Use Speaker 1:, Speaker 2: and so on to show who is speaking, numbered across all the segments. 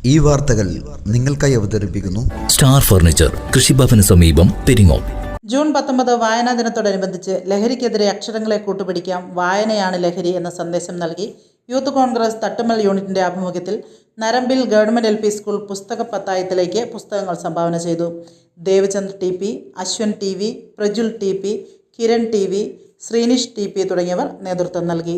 Speaker 1: ഈ വാർത്തകൾ നിങ്ങൾക്കായി അവതരിപ്പിക്കുന്നു
Speaker 2: സ്റ്റാർ ഫർണിച്ചർ, കൃഷിഭവന് സമീപം, പെരിങ്ങോം.
Speaker 3: ജൂൺ 19 വായനാ ദിനത്തോടനുബന്ധിച്ച് ലഹരിക്കെതിരെ അക്ഷരങ്ങളെ കൂട്ടുപിടിക്കാം, വായനയാണ് ലഹരി എന്ന സന്ദേശം നൽകി യൂത്ത് കോൺഗ്രസ് തട്ടുമ്മൽ യൂണിറ്റിന്റെ ആഭിമുഖ്യത്തിൽ നരമ്പിൽ ഗവൺമെന്റ് LP സ്കൂൾ പുസ്തക പത്തായത്തിലേക്ക് പുസ്തകങ്ങൾ സംഭാവന ചെയ്തു. ദേവചന്ദ് TP, Ashwan TV, Prajul TP, Kiran TV, Sreenish TP തുടങ്ങിയവർ നേതൃത്വം നൽകി.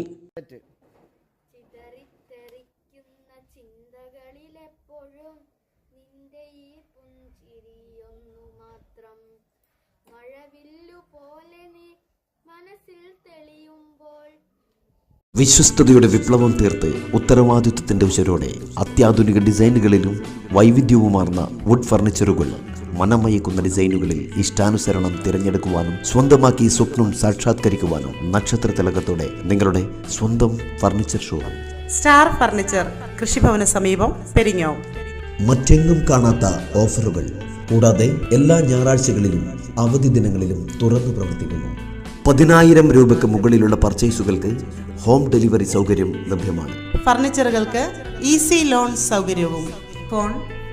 Speaker 4: വിശ്വസ്തയുടെ വിപ്ലവം തീർത്ത് ഉത്തരവാദിത്വത്തിന്റെ ഉശരോടെ അത്യാധുനിക ഡിസൈനുകളിലും വൈവിധ്യവുമാർന്ന വുഡ് ഫർണിച്ചറുകൾ, മനമയക്കുന്ന ഡിസൈനുകളിൽ ഇഷ്ടാനുസരണം തിരഞ്ഞെടുക്കുവാനും സ്വന്തമാക്കി സ്വപ്നം സാക്ഷാത്കരിക്കുവാനും നക്ഷത്ര തിലകത്തോടെ നിങ്ങളുടെ സ്വന്തം ഫർണിച്ചർ ഷോ
Speaker 3: സ്റ്റാർ ഫർണിച്ചർ, കൃഷിഭവന് സമീപം, പെരിങ്ങോം.
Speaker 4: മറ്റെങ്ങും കാണാത്ത ഓഫറുകൾ കൂടാതെ എല്ലാ ഞായറാഴ്ചകളിലും അവധി ദിനങ്ങളിലും തുറന്നു പ്രവർത്തിക്കുന്നു. 10,000 രൂപയ്ക്ക് മുകളിലുള്ള പർച്ചേസുകൾക്ക് ഹോം ഡെലിവറി സൗകര്യം ലഭ്യമാണ്.
Speaker 3: ഫർണിച്ചറുകൾക്ക് ഈസി ലോൺ സൗകര്യവും. ഫോൺ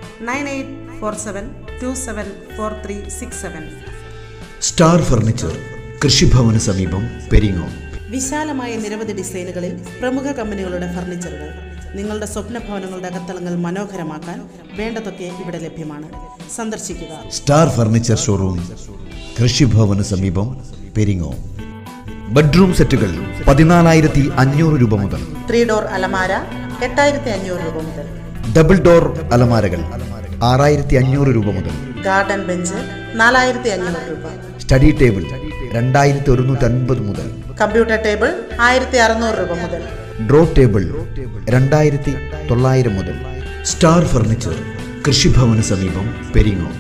Speaker 3: 9847274367.
Speaker 1: സ്റ്റാർ ഫർണിച്ചർ, കൃഷിഭവന് സമീപം, പെരിങ്ങോം.
Speaker 3: വിശാലമായ നിരവധി ഡിസൈനുകളിൽ പ്രമുഖ കമ്പനികളുടെ ഫർണിച്ചറുകൾ. നിങ്ങളുടെ സ്വപ്ന ഭവനങ്ങളുടെ അകത്തളങ്ങൾ മനോഹരമാക്കാൻ വേണ്ടതൊക്കെ ഇവിടെ ലഭ്യമാണ്. സന്ദർശിക്കുക.
Speaker 1: സ്റ്റാർ ഫർണിച്ചർ ഷോറൂം, കൃഷിഭവന് സമീപം, പെരിങ്ങോം. ബെഡ്റൂം സെറ്റുകൾ 14,500 രൂപ മുതൽ.
Speaker 3: 3 ഡോർ അലമാര 8,500 രൂപ മുതൽ.
Speaker 1: ഡബിൾ ഡോർ അലമാരകൾ 6,500 രൂപ മുതൽ.
Speaker 3: ഗാർഡൻ ബെഞ്ച് 4,500 രൂപ.
Speaker 1: സ്റ്റഡി ടേബിൾ 2,150 മുതൽ.
Speaker 3: കമ്പ്യൂട്ടർ ടേബിൾ 1,600 രൂപ മുതൽ.
Speaker 1: ഡ്രോ ടേബിൾ 2,900 മുതൽ. സ്റ്റാർ ഫർണിച്ചർ, കൃഷിഭവന് സമീപം, പെരിങ്ങോം.